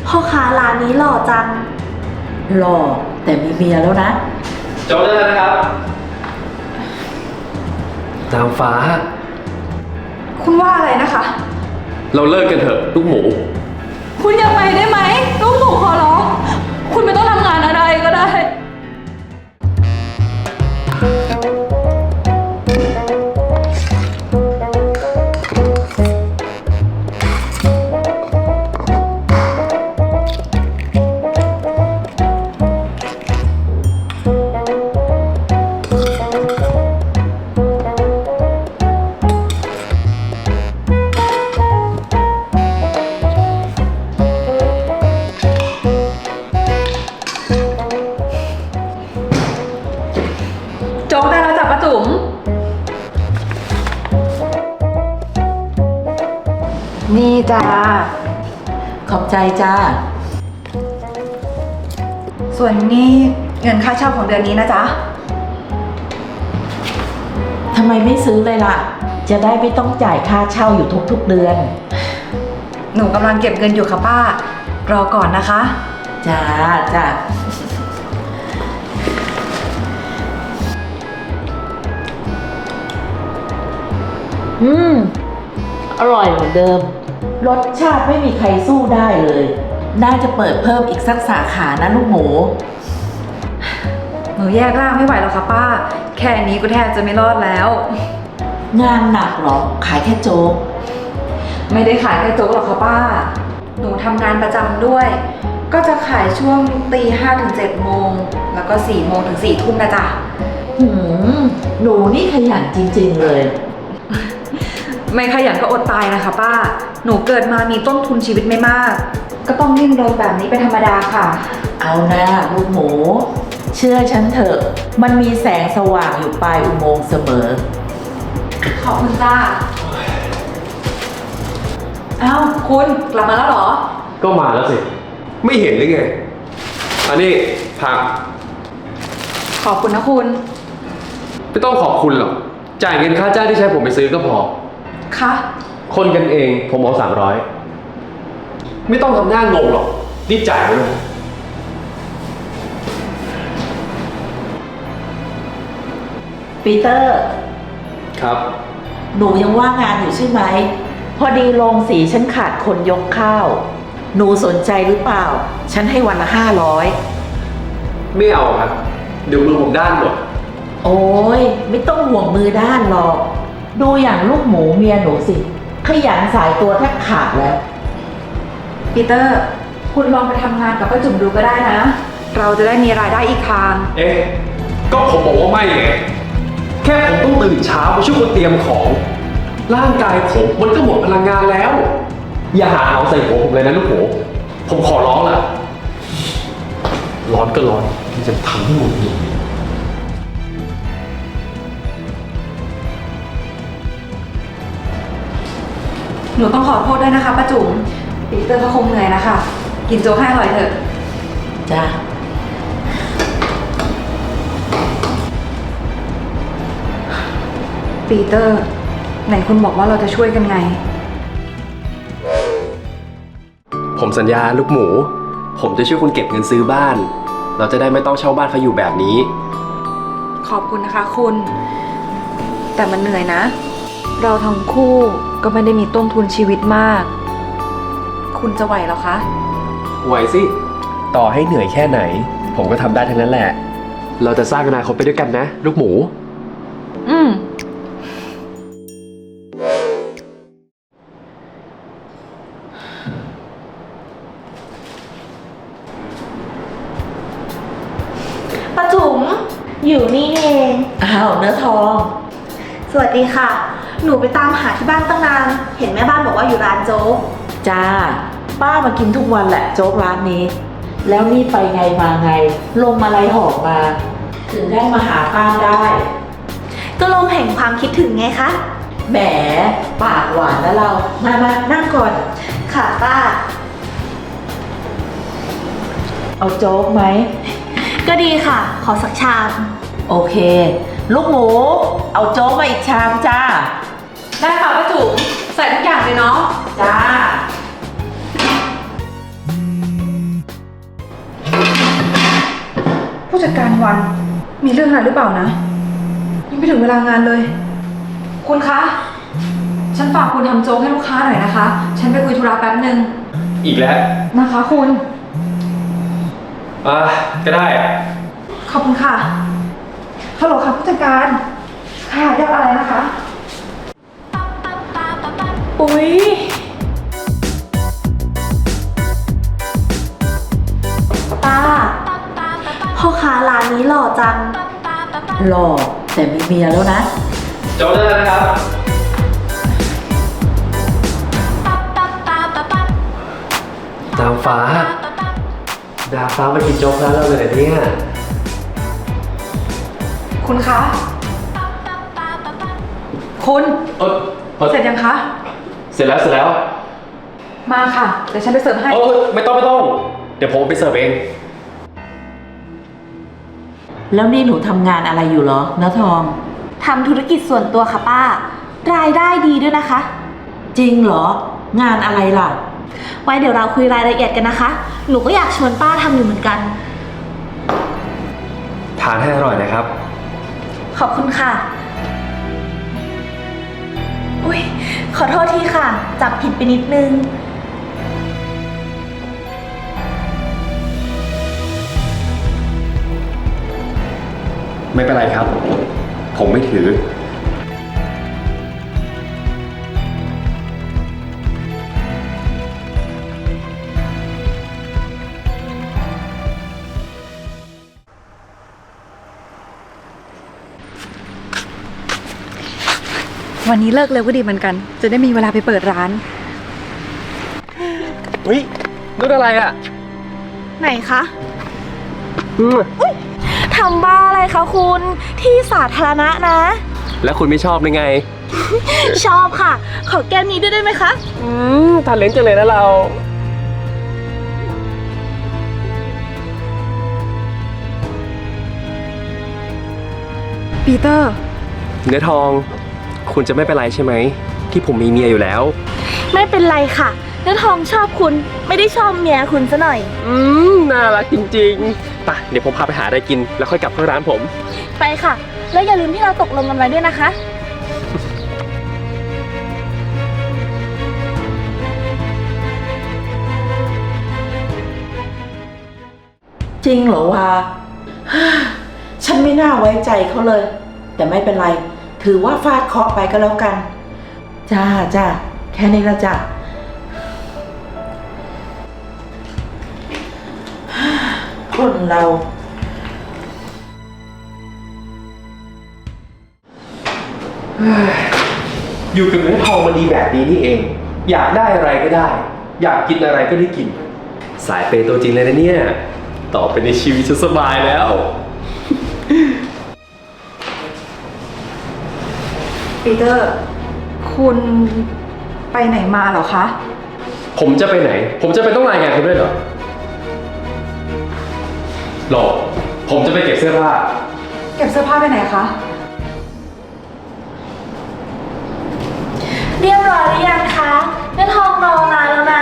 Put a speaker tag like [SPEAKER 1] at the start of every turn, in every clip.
[SPEAKER 1] พ่อค้าร้านนี้หล่อจัง
[SPEAKER 2] หล่อแต่มีเมียแล้วนะ
[SPEAKER 3] โจ๊กได้แล้วนะครับนางฟ้า
[SPEAKER 4] คุณว่าอะไรนะคะ
[SPEAKER 3] เราเลิกกันเถอะลูกหมู
[SPEAKER 4] คุณอย่าไปได้ไหมลูกหมูขอร้องคุณไม่ต้องทำงานอะไรก็ได้โจ๊กได้แล้วจ้ะป้าจุ๋มนี่จ้า
[SPEAKER 2] ขอบใจจ้า
[SPEAKER 4] ส่วนนี้เงินค่าเช่าของเดือนนี้นะจ๊ะ
[SPEAKER 2] ทำไมไม่ซื้อเลยล่ะจะได้ไม่ต้องจ่ายค่าเช่าอยู่ทุกๆเดือน
[SPEAKER 4] หนูกำลังเก็บเงินอยู่ค่ะป้า รอก่อนนะคะ
[SPEAKER 2] จ้าจ้าอร่อยเหมือนเดิมรสชาติไม่มีใครสู้ได้เลยน่าจะเปิดเพิ่มอีกสักสาขานะลูกหมู
[SPEAKER 4] หนูแยกร่างไม่ไหวแล้วค่ะป้าแค่นี้ก็แทบจะไม่รอดแล้ว
[SPEAKER 2] งานหนักหรอขายแค่โจ๊ก
[SPEAKER 4] ไม่ได้ขายแค่โจ๊กหรอกค่ะป้าหนูทำงานประจำด้วยก็จะขายช่วงตี 5 ถึง 7 โมงแล้วก็ 4 โมงถึง 4 ทุ่มนะจ๊ะ
[SPEAKER 2] หนูนี่ขยันจริงๆเลย
[SPEAKER 4] ไม่ขยันก็อดตายนะคะป้าหนูเกิดมามีต้นทุนชีวิตไม่มากก็ต้องดิ้นรนแบบนี้เป็นธรรมดาค่ะ
[SPEAKER 2] เอานะลูกหมูเชื่อฉันเถอะมันมีแสงสว่างอยู่ปลายอุโมงค์เสมอ
[SPEAKER 4] ขอบคุณจ้าเอ้าคุณกลับมาแล้วเหรอ
[SPEAKER 3] ก็มาแล้วสิไม่เห็นหรือไงอันนี้ผัก
[SPEAKER 4] ขอบคุณนะคุณ
[SPEAKER 3] ไม่ต้องขอบคุณหรอกจ่ายเงินค่าจ้างที่ใช้ผมไปซื้อก็พอ
[SPEAKER 4] คะ
[SPEAKER 3] คนกันเองผมเอา300ไม่ต้องทำหน้างงหรอกรีบจ่ายไปเลย
[SPEAKER 2] ปีเตอร์
[SPEAKER 3] ครับ
[SPEAKER 2] หนูยังว่างงานอยู่ใช่ไหมพอดีโรงสีฉันขาดคนยกข้าวหนูสนใจหรือเปล่าฉันให้วันละ500
[SPEAKER 3] ไม่เอาครับเดี๋ยวมือผมด้านหมด
[SPEAKER 2] โอ้ยไม่ต้องห่วงมือด้านหรอกดูอย่างลูกหมูเมียหนูสิขยันสายตัวแทบขาดแล้ว
[SPEAKER 4] ปีเตอร์คุณลองไปทำงานกับป้าจุ๋มดูก็ได้นะเราจะได้มีรายได้อีกทาง
[SPEAKER 3] ก็ผมบอกว่าไม่ไงแค่ผมต้องตื่นเช้าไปช่วยคนเตรียมของร่างกายผมมันก็หมดพลังงานแล้วอย่าหาเอาใส่หัวผมเลยนะลูกหมูผมขอร้องล่ะร้อนก็ร้อนมันจะทำให้หมดเลย
[SPEAKER 4] หนูต้องขอโทษด้วยนะคะป้าจุ๋มปีเตอร์ก็คงเหนื่อยนะคะกินโจ๊กให้อร่อยเถอะ
[SPEAKER 2] จ้า
[SPEAKER 4] ปีเตอร์ไหนคุณบอกว่าเราจะช่วยกันไง
[SPEAKER 3] ผมสัญญาลูกหมูผมจะช่วยคุณเก็บเงินซื้อบ้านเราจะได้ไม่ต้องเช่าบ้านเขาอยู่แบบนี้
[SPEAKER 4] ขอบคุณนะคะคุณแต่มันเหนื่อยนะเราทั้งคู่ก็ไม่ได้มีต้นทุนชีวิตมากคุณจะไหวหรอคะ
[SPEAKER 3] ไหวสิต่อให้เหนื่อยแค่ไหนผมก็ทำได้ทั้งนั้นแหละเราจะสร้างอนาคตไปด้วยกันนะลูกหมู
[SPEAKER 1] ป้าจุ๋มอยู่นี่เอง
[SPEAKER 2] อ้าวเนื้อทอง
[SPEAKER 1] สวัสดีค่ะหนูไปตามหาที่บ้านตั้งนานเห็นแม่บ้านบอกว่าอยู่ร้านโจ๊ก
[SPEAKER 2] จ้าป้ามากินทุกวันแหละโจ๊กร้านนี้แล้วนี่ไปไงมาไงลมอะไรหอบมาถึงได้มาหาป้าได้
[SPEAKER 1] ก็ลมแห่งความคิดถึงไงคะ
[SPEAKER 2] แหมปากหวานแล้วเรามานั่งก่อน
[SPEAKER 1] ค่ะป้า
[SPEAKER 2] เอาโจ๊กไหม
[SPEAKER 1] ก็ดีค่ะขอสักชาม
[SPEAKER 2] โอเคลูกหมูเอาโจ๊กมาอีกชามจ้า
[SPEAKER 4] ได้ค่ะป้าจุ๋มใส่ทุกอย่างเลยเนาะ
[SPEAKER 2] จ้า
[SPEAKER 4] จัดการวันมีเรื่องอะไรหรือเปล่านะยังไม่ถึงเวลางานเลย คุณคะ ฉันฝากคุณทำโจ๊กให้ลูกค้าหน่อยนะคะ ฉันไปคุยธุระแป๊บนึง
[SPEAKER 3] อีกแล้ว
[SPEAKER 4] นะคะคุณ
[SPEAKER 3] ก็ได้
[SPEAKER 4] ขอบคุณค่ะฮัลโหลค่ะผู้จัดการ ค่ะเรียกอะไรนะคะ
[SPEAKER 1] อุ๊ย ป้า พ่อค้าร้านนี้หล่อจัง
[SPEAKER 2] หล่อแต่มีเมียแล้วนะ
[SPEAKER 3] โจ๊กได้แล้วนะครับ ดาวฟ้า ดาวฟ้ามากินโจ๊กร้านเราเลยเหรอเนี่ย
[SPEAKER 4] คุณคะ คุณ เสร็จยังคะ
[SPEAKER 3] เสร็จแล้ว
[SPEAKER 4] มาค่ะ เดี๋ยวฉันไปเสิร์ฟให้
[SPEAKER 3] ไม่ต้อง เดี๋ยวผมไปเสิร์ฟเอง
[SPEAKER 2] แล้วนี่หนูทำงานอะไรอยู่เหรอเนื้อทอง
[SPEAKER 1] ทำธุรกิจส่วนตัวค่ะป้า รายได้ดีด้วยนะคะ
[SPEAKER 2] จริงเหรอ งานอะไรล่ะ
[SPEAKER 1] ไว้เดี๋ยวเราคุยรายละเอียดกันนะคะ หนูก็อยากชวนป้าทำอยู่เหมือนกัน
[SPEAKER 3] ทานให้อร่อยนะครับ
[SPEAKER 1] ขอบคุณค่ะ อุ๊ย ขอโทษทีค่ะ จับผิดไปนิดนึง
[SPEAKER 3] ไม่เป็นไรครับ ผมไม่ถือ
[SPEAKER 4] วันนี้เลิกเร็วก็ดีเหมือนกัน จะได้มีเวลาไปเปิดร้าน
[SPEAKER 3] เฮ้ยนู่นอะไรอ่ะ
[SPEAKER 1] ไหนคะทำบ้าอะไรคะคุณ ที่สาธารณะนะ
[SPEAKER 3] แล้วคุณไม่ชอบได้ไง
[SPEAKER 1] ชอบค่ะ ขอแก้วนี้ด้วยได้ไหมคะ
[SPEAKER 3] ทานเลนจังเลยนะเรา
[SPEAKER 4] ปีเตอร์
[SPEAKER 3] เนื้อทอง คุณจะไม่เป็นไรใช่ไหม ที่ผมมีเมียอยู่แล้ว
[SPEAKER 1] ไม่เป็นไรค่ะเนื้อทองชอบคุณ ไม่ได้ชอบเมียคุณซะหน่อย
[SPEAKER 3] น่ารักจริงๆไปเดี๋ยวผมพาไปหาอะไรกิน แล้วค่อยกลับเข้าร้านผม
[SPEAKER 1] ไปค่ะ แล้วอย่าลืมที่เราตกลงกันไว้ด้วยนะคะ
[SPEAKER 2] จริงเหรอวะ ฉันไม่น่าไว้ใจเขาเลย แต่ไม่เป็นไร ถือว่าฟาดเคราะห์ไปก็แล้วกัน จ้า แค่นี้ละจ้ะ คนเรา
[SPEAKER 3] อยู่กับเนื้อทองมันดีแบบนี้นี่เอง อยากได้อะไรก็ได้ อยากกินอะไรก็ได้กิน สายเปย์ตัวจริงเลยนะเนี่ย ต่อไปในชีวิตฉันสบายแล้ว
[SPEAKER 4] ปีเตอร์ คุณไปไหนมาเหรอคะ
[SPEAKER 3] ผมจะไปไหน ผมจะไปต้องรายงานคุณด้วยเหรอหรอผมจะไปเก็บเสื้อผ้า
[SPEAKER 4] เก็บเสื้อผ้าไปไหนคะ
[SPEAKER 1] เรียบร้อยหรือยังคะเนื้อทองรอนานแล้วนะ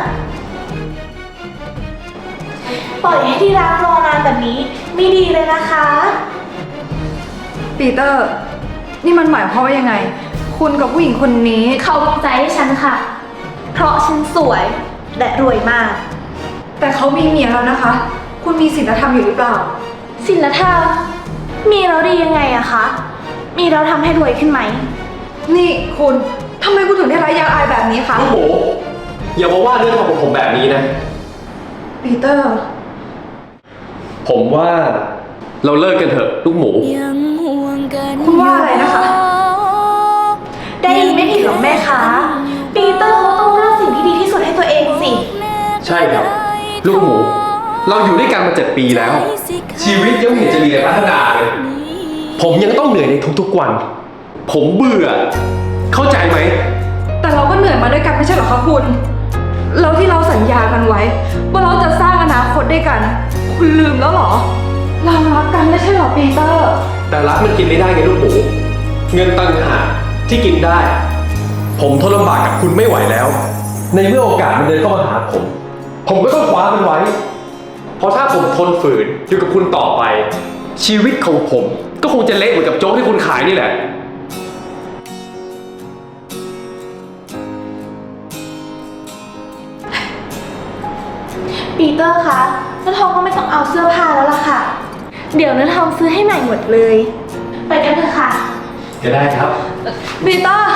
[SPEAKER 1] ปล่อยให้ที่รักรอนานแบบนี้ไม่ดีเลยนะคะ
[SPEAKER 4] ปีเตอร์ นี่มันหมายความว่ายังไง คุณกับผู้หญิงคนนี้
[SPEAKER 1] เขามีใจให้ฉันค่ะ เพราะฉันสวยและรวยมาก
[SPEAKER 4] แต่เขามีเมียแล้วนะคะ คุณมีศีลธรรมอยู่หรือเปล่า
[SPEAKER 1] ศีลธรรมมีแล้วดียังไงอะคะ มีแล้วทำให้รวยขึ้นไหม
[SPEAKER 4] นี่คุณทำไมคุณถึงได้ร้ายยางอายแบบนี้คะ
[SPEAKER 3] ลูกหมูอย่ามาว่าเรื่องของผมแบบนี้นะ
[SPEAKER 4] ปีเตอร์
[SPEAKER 3] ผมว่าเราเลิกกันเถอะลูกหมู
[SPEAKER 4] คุณว่าอะไรนะคะ
[SPEAKER 1] ได้ยินไม่ผิดหรอกแม่คะปีเตอร์เขาต้องเลือกสิ่งที่ดีที่สุดให้ตัวเองสิ
[SPEAKER 3] ใช่ครับ ลูกหมู เราอยู่ด้วยกันมา7 ปีแล้ว ชีวิตยังไม่เห็นจะมีอะไรพัฒนาเลย ผมยังต้องเหนื่อยในทุกๆวัน ผมเบื่อ เข้าใจไหม
[SPEAKER 4] แต่เราก็เหนื่อยมาด้วยกันไม่ใช่เหรอคะคุณ แล้วที่เราสัญญากันไว้ ว่าเราจะสร้างอนาคตด้วยกัน คุณลืมแล้วเหรอ เรารักกันไม่ใช่เหรอปีเตอร์
[SPEAKER 3] แต่รักมันกินไม่ได้ไงลูกหมู เงินตังหากที่กินได้ ผมทนลำบากกับคุณไม่ไหวแล้ว ในเมื่อโอกาสมันเดินเข้ามาหาผม ผมก็ต้องคว้ามันไว้เพราะถ้าผมทนฝืนอยู่กับคุณต่อไป ชีวิตของผมก็คงจะเละเหมือนกับโจ๊กที่คุณขายนี่แหละ
[SPEAKER 1] ปีเตอร์คะน้าทองก็ไม่ต้องเอาเสื้อผ้าแล้วล่ะค่ะ เดี๋ยวน้าทองซื้อให้ใหม่หมดเลย ไปกันเถอะค่ะ
[SPEAKER 3] จะได้ครับ
[SPEAKER 4] ปีเตอร์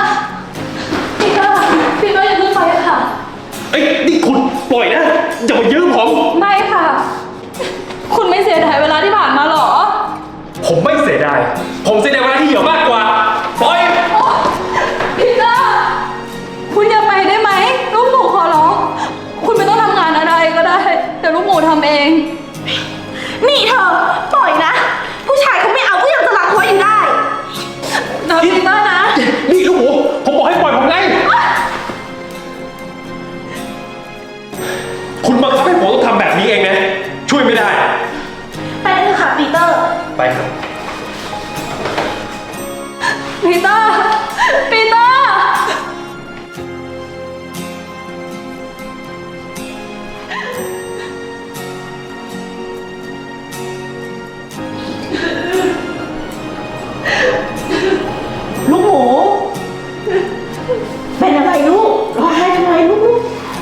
[SPEAKER 4] อย่าเพิ่งไปค่ะ
[SPEAKER 3] เอ้ยนี่คุณปล่อยนะอย่ามายื้อผม
[SPEAKER 4] ไม่ค่ะ คุณไม่เสียดายเวลาที่ผ่านมาหรอ
[SPEAKER 3] ผมไม่เสียดาย ผมเสียดายเวลาที่เหยื่อมากกว่า ปล่อย
[SPEAKER 4] ปีเตอร์คุณอย่าไปได้ไหมลูกหมูขอร้องคุณไม่ต้องทำงานอะไรก็ได้แต่ลูกหมูทำเอง
[SPEAKER 1] นี่เธอปล่อยนะ ผู้ชายเขาไม่เอาก็ยังจะรักไว้อยู่ได้
[SPEAKER 4] นะปีเตอร์นะ
[SPEAKER 3] นี่ลูกหมูผมบอกให้ปล่อยผมไง คุณบังคับให้ผมต้องทำแบบนี้เองนะ ช่วยไม่ได้
[SPEAKER 1] ไปกันเถอะค่ะปีเตอร์
[SPEAKER 3] ไปครับ
[SPEAKER 4] ปีเตอร์
[SPEAKER 2] ลูกหมู เป็นอะไรลูกร้องไห้ทำไมลูก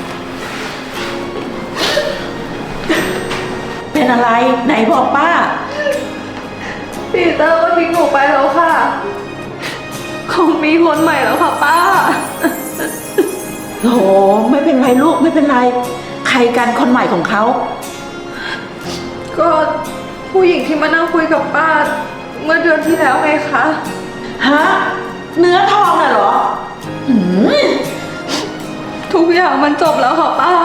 [SPEAKER 2] เป็นอะไรไหนบอกป้า
[SPEAKER 4] ปีเตอร์ก็ทิ้งหนูไปแล้วค่ะ คงมีคนใหม่แล้วค่ะป้า
[SPEAKER 2] โอ้โหไม่เป็นไรลูกไม่เป็นไร ใครกันคนใหม่ของเขา
[SPEAKER 4] ก็ผู้หญิงที่มานั่งคุยกับป้า เมื่อเดือนที่แล้วไงคะ
[SPEAKER 2] ฮะเนื้อทองน่ะเหรอหืม
[SPEAKER 4] ทุกอย่างมันจบแล้วค่ะป้า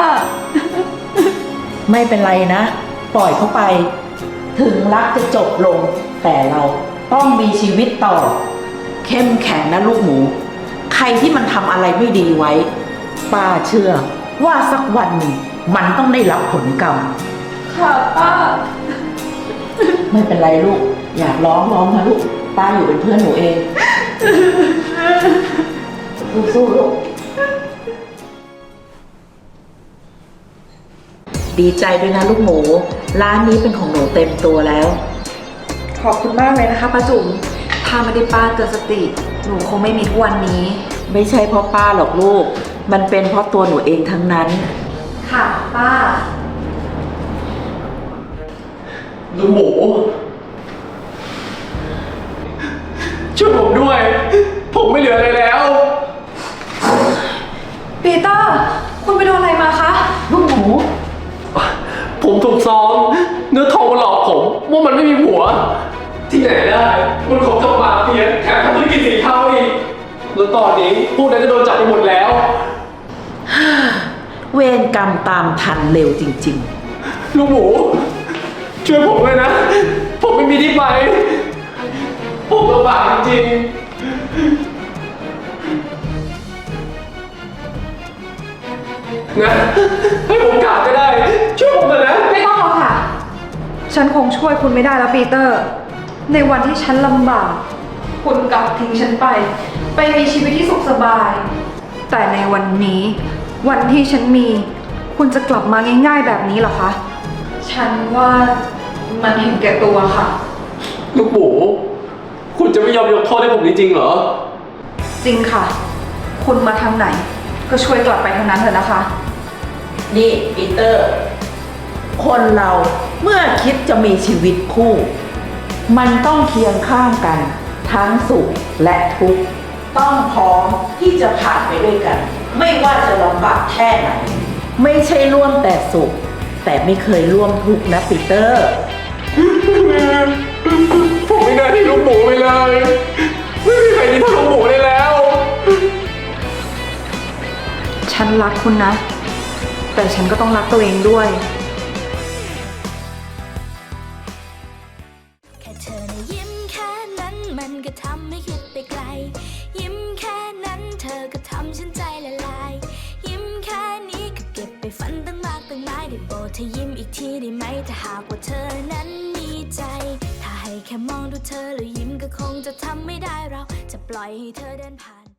[SPEAKER 2] ไม่เป็นไรนะ ปล่อยเขาไป ถึงรักจะจบลง แต่เราต้องมีชีวิตต่อ เข้มแข็งนะลูกหมู ใครที่มันทำอะไรไม่ดีไว้ ป้าเชื่อว่าสักวันหนึ่งมันต้องได้รับผลกรรม
[SPEAKER 4] ค่ะป้า
[SPEAKER 2] ไม่เป็นไรลูก อยากร้องนะลูก ป้าอยู่เป็นเพื่อนหนูเอง สู้ๆลูก ดีใจด้วยนะลูกหมู ร้านนี้เป็นของหนูเต็มตัวแล้ว
[SPEAKER 4] ขอบคุณมากเลยนะคะป้าจุ๋มถ้าไม่ได้ป้าเตือนสติ หนูคงไม่มีทุกวันนี้
[SPEAKER 2] ไม่ใช่เพราะป้าหรอกลูก มันเป็นเพราะตัวหนูเองทั้งนั้น
[SPEAKER 4] ค่ะป้า
[SPEAKER 3] ลูกหมู ช่วยผมด้วย ผมไม่เหลืออะไรแล้ว
[SPEAKER 4] ปีเตอร์ คุณไปโดนอะไรมาคะ
[SPEAKER 2] ลูกหมู
[SPEAKER 3] ผมถูกซ้อมเนื้อทองมาหลอกผมว่ามันไม่มีผัว ที่ไหนได้มันของกับมาเฟียแถมทำธุรกิจสีเทาอีกแล้วตอนนี้พวกนั้นก็โดนจับไปหมดแล้ว
[SPEAKER 2] เวรกรรมตามทันเร็วจริง
[SPEAKER 3] ลูกหมู ช่วยผมเลยนะ ผมไม่มีที่ไป ผมลำบากจริงๆนะให้ผมกราบก็ได้ ช่วยผมเลยนะ
[SPEAKER 4] ไม่ต้องหรอกค่ะ ฉันคงช่วยคุณไม่ได้แล้วปีเตอร์ ในวันที่ฉันลำบาก คุณกลับทิ้งฉันไปมีชีวิตที่สุขสบาย แต่ในวันนี้ วันที่ฉันมี คุณจะกลับมาง่ายๆแบบนี้เหรอคะ ฉันว่ามันเห็นแก่ตัวค่ะ
[SPEAKER 3] ลูกหมู คุณจะไม่ยอมยกโทษให้ผมจริงๆเหรอ
[SPEAKER 4] จริงค่ะ คุณมาทางไหน ก็ช่วยกลับไปทางนั้นเถอะนะคะ
[SPEAKER 2] ๆ นี่ปีเตอร์ คนเราเมื่อคิดจะมีชีวิตคู่ มันต้องเคียงข้างกัน ทั้งสุขและทุกข์ต้องพร้อมที่จะผ่านไปด้วยกัน ไม่ว่าจะลำบากแค่ไหน ไม่ใช่ร่วมแต่สุข แต่ไม่เคยร่วมทุกข์นะปีเตอร์
[SPEAKER 3] ผมไม่น่าที่ลูกหมูไปเลย ไม่มีใครที่เท่าลูกหมูได้แล้ว
[SPEAKER 4] ฉันรักคุณนะ แต่ฉันก็ต้องรักตัวเองด้วย
[SPEAKER 5] แค่เธอนะยิ้มแค่นั้นมันก็ทำให้คิดไปไกล ยิ้มแค่นั้นเธอก็ทำฉันใจละลาย ยิ้มแค่นี้ก็เก็บไปฝันตั้งมากตั้งหลายได้โปรดเธอยิ้มอีกทีได้ไหมถ้าหากว่าเธอนั้นมีใจ ถ้าให้แค่มองดูเธอแล้วยิ้มก็คงจะทำไม่ได้เราจะปล่อยให้เธอเดินผ่าน